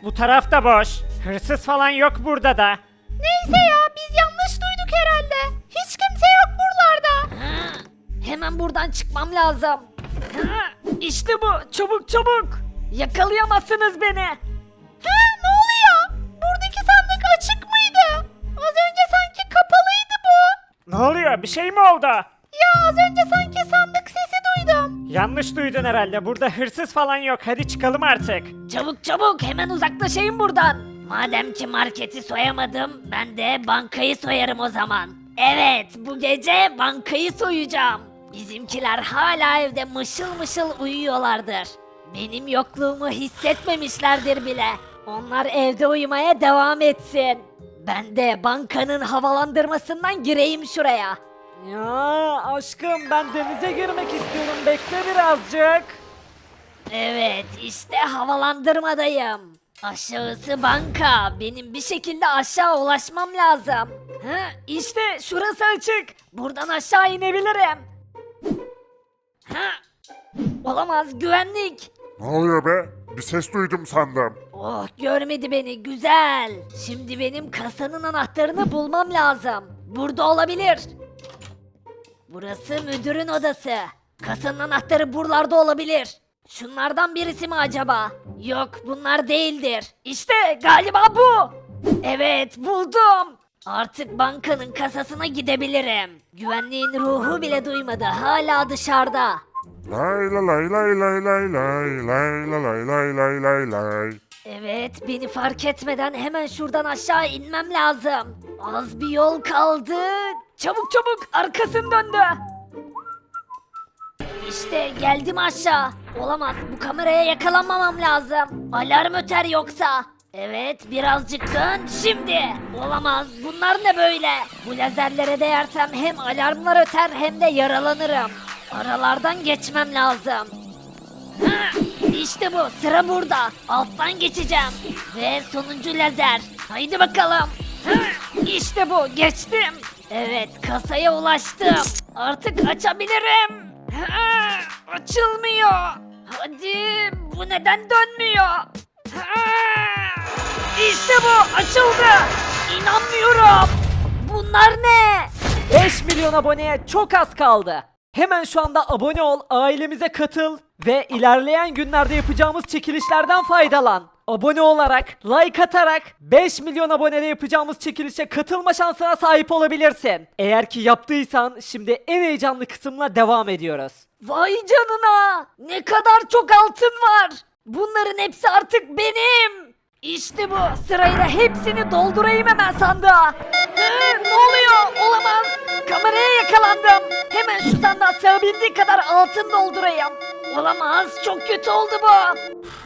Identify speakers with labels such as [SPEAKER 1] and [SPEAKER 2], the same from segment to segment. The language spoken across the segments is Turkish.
[SPEAKER 1] Bu taraf da boş. Hırsız falan yok burada da.
[SPEAKER 2] Neyse ya biz yanlış duyduk herhalde. Hiç kimse yok buralarda.
[SPEAKER 3] Hemen buradan çıkmam lazım. İşte bu. Çabuk çabuk. Yakalayamazsınız beni.
[SPEAKER 2] Ne oluyor? Buradaki sandık açık mıydı? Az önce sanki kapalıydı bu.
[SPEAKER 1] Ne oluyor? Bir şey mi oldu?
[SPEAKER 2] Ya az önce sanki sandık sesi duydum.
[SPEAKER 1] Yanlış duydun herhalde. Burada hırsız falan yok. Hadi çıkalım artık.
[SPEAKER 3] Çabuk çabuk hemen uzaklaşayım buradan. Madem ki marketi soyamadım ben de bankayı soyarım o zaman. Evet bu gece bankayı soyacağım. Bizimkiler hala evde mışıl mışıl uyuyorlardır. Benim yokluğumu hissetmemişlerdir bile. Onlar evde uyumaya devam etsin. Ben de bankanın havalandırmasından gireyim şuraya.
[SPEAKER 1] Ya aşkım ben denize girmek istiyorum. Bekle birazcık.
[SPEAKER 3] Evet, işte havalandırmadayım. Aşağısı banka. Benim bir şekilde aşağı ulaşmam lazım. İşte şurası açık. Buradan aşağı inebilirim. Olamaz, güvenlik.
[SPEAKER 4] Ne oluyor be? Bir ses duydum sandım.
[SPEAKER 3] Oh, görmedi beni. Güzel. Şimdi benim kasanın anahtarını bulmam lazım. Burada olabilir. Burası müdürün odası. Kasanın anahtarı buralarda olabilir. Şunlardan birisi mi acaba? Yok, bunlar değildir. İşte galiba bu. Evet, buldum. Artık bankanın kasasına gidebilirim. Güvenliğin ruhu bile duymadı. Hala dışarıda.
[SPEAKER 4] Lay la lay lay lay lay lay lay la lay lay lay lay lay.
[SPEAKER 3] Evet, beni fark etmeden hemen şuradan aşağı inmem lazım. Az bir yol kaldı. Çabuk çabuk, arkasını döndü. İşte geldim aşağı. Olamaz, bu kameraya yakalanmamam lazım. Alarm öter yoksa. Evet, birazcık dön şimdi. Olamaz, bunlar ne böyle? Bu lazerlere değersem hem alarmlar öter hem de yaralanırım. Aralardan geçmem lazım. İşte bu, sıra burada. Alttan geçeceğim. Ve sonuncu lazer. Haydi bakalım. İşte bu, geçtim. Evet, kasaya ulaştım. Artık açabilirim. Açılmıyor. Hadi, bu neden dönmüyor? İşte bu, açıldı. İnanmıyorum. Bunlar ne?
[SPEAKER 5] 5 milyon aboneye çok az kaldı. Hemen şu anda abone ol, ailemize katıl ve ilerleyen günlerde yapacağımız çekilişlerden faydalan. Abone olarak, like atarak 5 milyon abonede yapacağımız çekilişe katılma şansına sahip olabilirsin. Eğer ki yaptıysan şimdi en heyecanlı kısımla devam ediyoruz.
[SPEAKER 3] Vay canına! Ne kadar çok altın var! Bunların hepsi artık benim! İşte bu! Sırayla hepsini doldurayım hemen sandığa! Ne oluyor? Olamaz! Kameraya yakalandım! Hemen şu sandığa sığabildiği kadar altın doldurayım! Olamaz! Çok kötü oldu bu!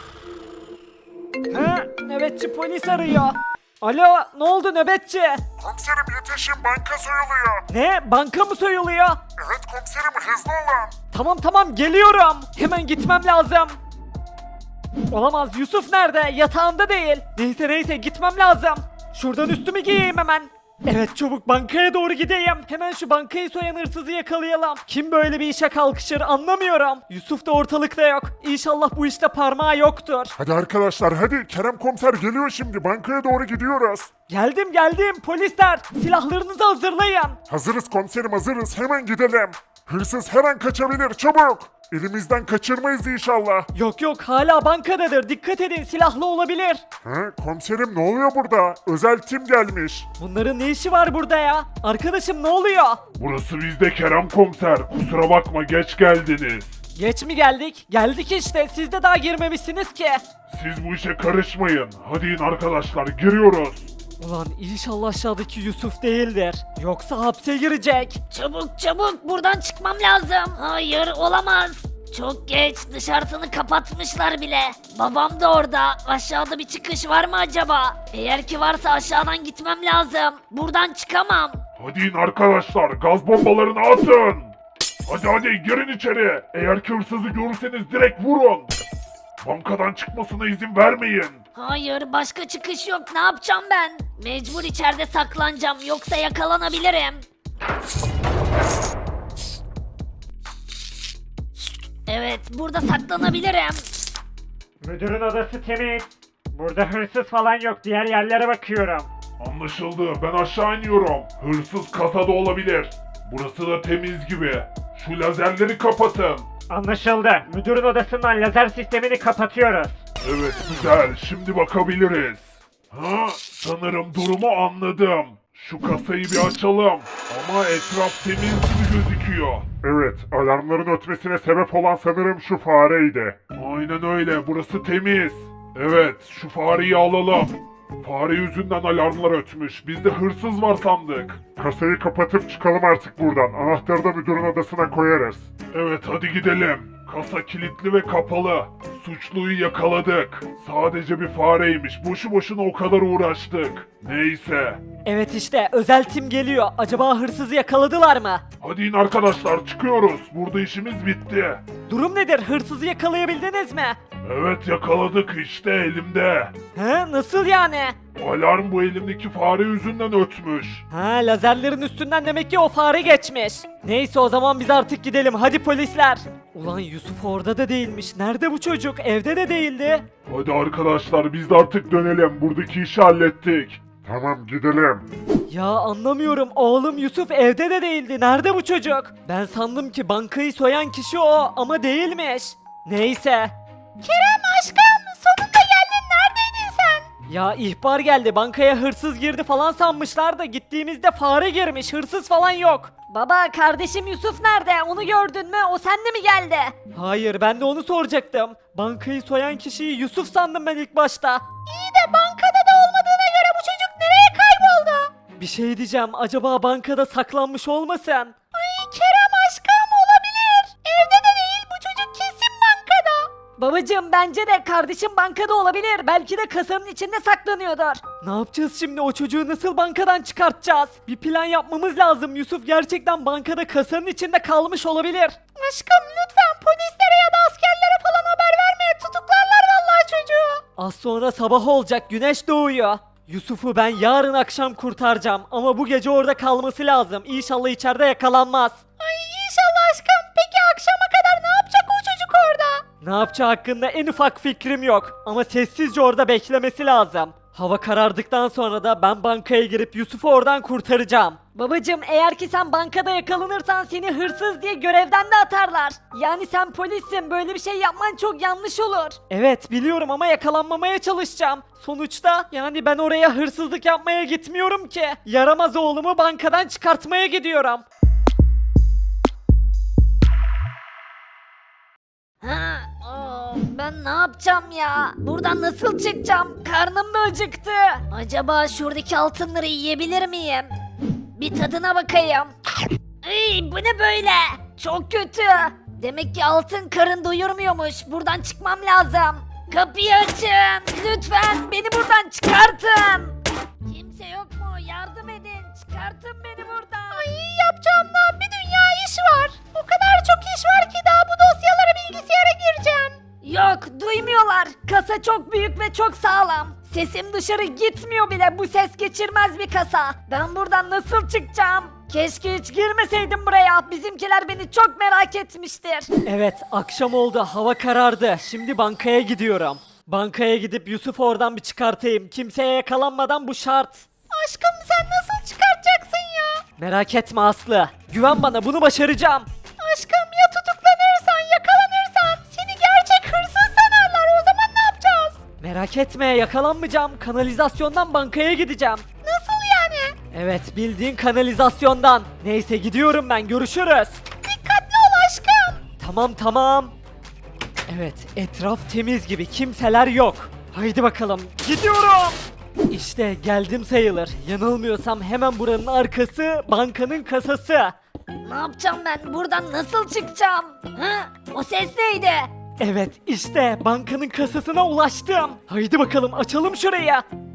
[SPEAKER 5] Nöbetçi polis arıyor. Alo, ne oldu nöbetçi?
[SPEAKER 4] Komiserim yetişin, banka soyuluyor.
[SPEAKER 5] Ne? Banka mı soyuluyor?
[SPEAKER 4] Evet komiserim, hızlı olun.
[SPEAKER 5] Tamam geliyorum. Hemen gitmem lazım. Olamaz, Yusuf nerede? Yatağında değil. Neyse gitmem lazım. Şuradan üstümü giyeyim hemen. Evet, çabuk bankaya doğru gideyim. Hemen şu bankayı soyan hırsızı yakalayalım. Kim böyle bir işe kalkışır anlamıyorum. Yusuf da ortalıkta yok. İnşallah bu işte parmağı yoktur.
[SPEAKER 4] Hadi arkadaşlar hadi, Kerem komiser geliyor şimdi, bankaya doğru gidiyoruz.
[SPEAKER 5] Geldim polisler. Silahlarınızı hazırlayın.
[SPEAKER 4] Hazırız komiserim, hazırız, hemen gidelim. Hırsız her an kaçabilir, çabuk. Elimizden kaçırmayız inşallah.
[SPEAKER 5] Yok hala bankadadır. Dikkat edin, silahlı olabilir.
[SPEAKER 4] Komiserim ne oluyor burada? Özel tim gelmiş.
[SPEAKER 5] Bunların ne işi var burada ya? Arkadaşım ne oluyor?
[SPEAKER 6] Burası bizde Kerem komiser. Kusura bakma geç geldiniz.
[SPEAKER 5] Geç mi geldik? Geldik işte. Siz de daha girmemişsiniz ki.
[SPEAKER 6] Siz bu işe karışmayın. Hadi in arkadaşlar giriyoruz.
[SPEAKER 5] Ulan inşallah aşağıdaki Yusuf değildir. Yoksa hapse girecek.
[SPEAKER 3] Çabuk buradan çıkmam lazım. Hayır, olamaz. Çok geç, dışarısını kapatmışlar bile. Babam da orada. Aşağıda bir çıkış var mı acaba? Eğer ki varsa aşağıdan gitmem lazım. Buradan çıkamam.
[SPEAKER 6] Hadi in arkadaşlar gaz bombalarını atın. Hadi girin içeri. Eğer ki hırsızı görürseniz direkt vurun. Bankadan çıkmasına izin vermeyin.
[SPEAKER 3] Hayır, başka çıkış yok. Ne yapacağım ben? Mecbur içeride saklanacağım, yoksa yakalanabilirim. Evet, burada saklanabilirim.
[SPEAKER 1] Müdürün odası temiz.
[SPEAKER 5] Burada hırsız falan yok. Diğer yerlere bakıyorum.
[SPEAKER 6] Anlaşıldı. Ben aşağı iniyorum. Hırsız kasada olabilir. Burası da temiz gibi. Şu lazerleri kapatın.
[SPEAKER 5] Anlaşıldı. Müdürün odasından lazer sistemini kapatıyoruz.
[SPEAKER 6] Evet güzel. Şimdi bakabiliriz. Ha, sanırım durumu anladım. Şu kasayı bir açalım. Ama etraf temiz gibi gözüküyor.
[SPEAKER 4] Evet, alarmların ötmesine sebep olan sanırım şu fareydi.
[SPEAKER 6] Aynen öyle. Burası temiz. Evet, şu fareyi alalım. Fare yüzünden alarmlar ötmüş. Biz de hırsız var sandık.
[SPEAKER 4] Kasayı kapatıp çıkalım artık buradan. Anahtarı da müdürün odasına koyarız.
[SPEAKER 6] Evet, hadi gidelim. Kasa kilitli ve kapalı. Suçluyu yakaladık. Sadece bir fareymiş. Boşu boşuna o kadar uğraştık. Neyse.
[SPEAKER 5] Evet işte özel tim geliyor. Acaba hırsızı yakaladılar mı?
[SPEAKER 6] Hadi in arkadaşlar, çıkıyoruz. Burada işimiz bitti.
[SPEAKER 5] Durum nedir? Hırsızı yakalayabildiniz mi?
[SPEAKER 6] Evet, yakaladık, işte elimde.
[SPEAKER 5] He, nasıl yani?
[SPEAKER 6] Alarm bu elimdeki fare yüzünden ötmüş.
[SPEAKER 5] Ha, lazerlerin üstünden demek ki o fare geçmiş. Neyse o zaman biz artık gidelim. Hadi polisler. Ulan Yusuf orada da değilmiş. Nerede bu çocuk? Evde de değildi.
[SPEAKER 6] Hadi arkadaşlar, biz de artık dönelim. Buradaki işi hallettik.
[SPEAKER 4] Tamam, gidelim.
[SPEAKER 5] Ya anlamıyorum. Oğlum Yusuf evde de değildi. Nerede bu çocuk? Ben sandım ki bankayı soyan kişi o ama değilmiş. Neyse.
[SPEAKER 2] Kerem aşkım sonunda geldin. Neredeydin sen?
[SPEAKER 5] Ya ihbar geldi. Bankaya hırsız girdi falan sanmışlar da gittiğimizde fare girmiş. Hırsız falan yok.
[SPEAKER 3] Baba kardeşim Yusuf nerede? Onu gördün mü? O sende mi geldi?
[SPEAKER 5] Hayır ben de onu soracaktım. Bankayı soyan kişiyi Yusuf sandım ben ilk başta.
[SPEAKER 2] İyi de bankada da olmadığına göre bu çocuk nereye kayboldu?
[SPEAKER 5] Bir şey diyeceğim. Acaba bankada saklanmış olmasın?
[SPEAKER 2] Ay Kerem aşkım olabilir. Evde de değil, bu çocuk kesin bankada.
[SPEAKER 3] Babacım bence de kardeşim bankada olabilir. Belki de kasanın içinde saklanıyordur.
[SPEAKER 5] Ne yapacağız şimdi? O çocuğu nasıl bankadan çıkartacağız? Bir plan yapmamız lazım. Yusuf gerçekten bankada kasanın içinde kalmış olabilir.
[SPEAKER 2] Aşkım lütfen polislere ya da askerlere falan haber verme. Tutuklarlar vallahi çocuğu.
[SPEAKER 5] Az sonra sabah olacak. Güneş doğuyor. Yusuf'u ben yarın akşam kurtaracağım. Ama bu gece orada kalması lazım. İnşallah içeride yakalanmaz.
[SPEAKER 2] Ay inşallah aşkım. Peki akşama kadar ne yapacak o çocuk orada?
[SPEAKER 5] Ne yapacağı hakkında en ufak fikrim yok. Ama sessizce orada beklemesi lazım. Hava karardıktan sonra da ben bankaya girip Yusuf'u oradan kurtaracağım.
[SPEAKER 3] Babacım eğer ki sen bankada yakalanırsan seni hırsız diye görevden de atarlar. Yani sen polissin, böyle bir şey yapman çok yanlış olur.
[SPEAKER 5] Evet biliyorum ama yakalanmamaya çalışacağım. Sonuçta yani ben oraya hırsızlık yapmaya gitmiyorum ki. Yaramaz oğlumu bankadan çıkartmaya gidiyorum.
[SPEAKER 3] Ha, ben ne yapacağım ya? Buradan nasıl çıkacağım? Karnım da acıktı. Acaba şuradaki altınları yiyebilir miyim? Bir tadına bakayım. Ey, bu ne böyle? Çok kötü. Demek ki altın karın doyurmuyormuş. Buradan çıkmam lazım. Kapıyı açın. Lütfen beni buradan çıkartın. Kimse yok mu? Yardım edin. Çıkartın beni buradan.
[SPEAKER 2] Ay yapacağım daha bir dünya iş var. O kadar çok iş var ki daha bu dosyaları bilgisayara gireceğim.
[SPEAKER 3] Yok, duymuyorlar. Kasa çok büyük ve çok sağlam. Sesim dışarı gitmiyor bile. Bu ses geçirmez bir kasa. Ben buradan nasıl çıkacağım? Keşke hiç girmeseydim buraya. Bizimkiler beni çok merak etmiştir.
[SPEAKER 5] Evet akşam oldu, hava karardı. Şimdi bankaya gidiyorum. Bankaya gidip Yusuf'u oradan bir çıkartayım. Kimseye yakalanmadan bu şart.
[SPEAKER 2] Aşkım sen nasıl çıkartacaksın ya?
[SPEAKER 5] Merak etme Aslı. Güven bana, bunu başaracağım.
[SPEAKER 2] Aşkım ya tutuklanırsan, yakalanırsan seni gerçek hırsız sanarlar, o zaman ne yapacağız?
[SPEAKER 5] Merak etme, yakalanmayacağım. Kanalizasyondan bankaya gideceğim.
[SPEAKER 2] Nasıl yani?
[SPEAKER 5] Evet, bildiğin kanalizasyondan. Neyse gidiyorum ben, görüşürüz.
[SPEAKER 2] Dikkatli ol aşkım.
[SPEAKER 5] Tamam. Evet, etraf temiz gibi, kimseler yok. Haydi bakalım, gidiyorum. İşte geldim sayılır. Yanılmıyorsam hemen buranın arkası bankanın kasası.
[SPEAKER 3] Ne yapacağım ben? Buradan nasıl çıkacağım? Ha? O ses neydi?
[SPEAKER 5] Evet, işte bankanın kasasına ulaştım. Haydi bakalım, açalım şurayı.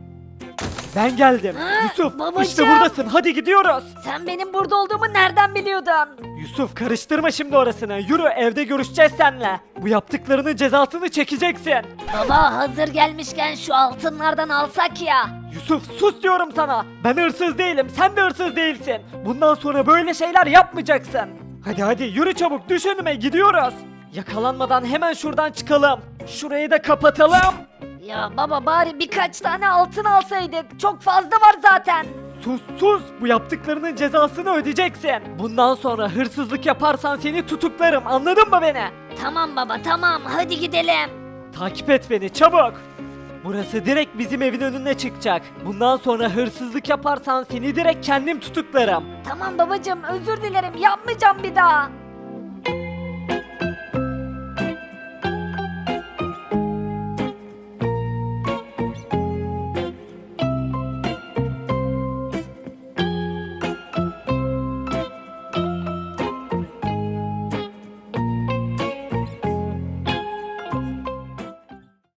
[SPEAKER 5] Ben geldim.
[SPEAKER 3] Ha,
[SPEAKER 5] Yusuf,
[SPEAKER 3] babacığım.
[SPEAKER 5] işte buradasın. Hadi gidiyoruz.
[SPEAKER 3] Sen benim burada olduğumu nereden biliyordun?
[SPEAKER 5] Yusuf, karıştırma şimdi orasını. Yürü, evde görüşeceğiz seninle. Bu yaptıklarının cezasını çekeceksin.
[SPEAKER 3] Baba hazır gelmişken şu altınlardan alsak ya.
[SPEAKER 5] Yusuf, sus diyorum sana. Ben hırsız değilim, sen de hırsız değilsin. Bundan sonra böyle şeyler yapmayacaksın. Hadi yürü çabuk, düş önüme, gidiyoruz. Yakalanmadan hemen şuradan çıkalım. Şurayı da kapatalım.
[SPEAKER 3] Ya baba bari birkaç tane altın alsaydık. Çok fazla var zaten.
[SPEAKER 5] Sus sus, bu yaptıklarının cezasını ödeyeceksin. Bundan sonra hırsızlık yaparsan seni tutuklarım, anladın mı beni?
[SPEAKER 3] Tamam baba tamam hadi gidelim.
[SPEAKER 5] Takip et beni çabuk. Burası direkt bizim evin önüne çıkacak. Bundan sonra hırsızlık yaparsan seni direkt kendim tutuklarım.
[SPEAKER 3] Tamam babacığım özür dilerim yapmayacağım bir daha.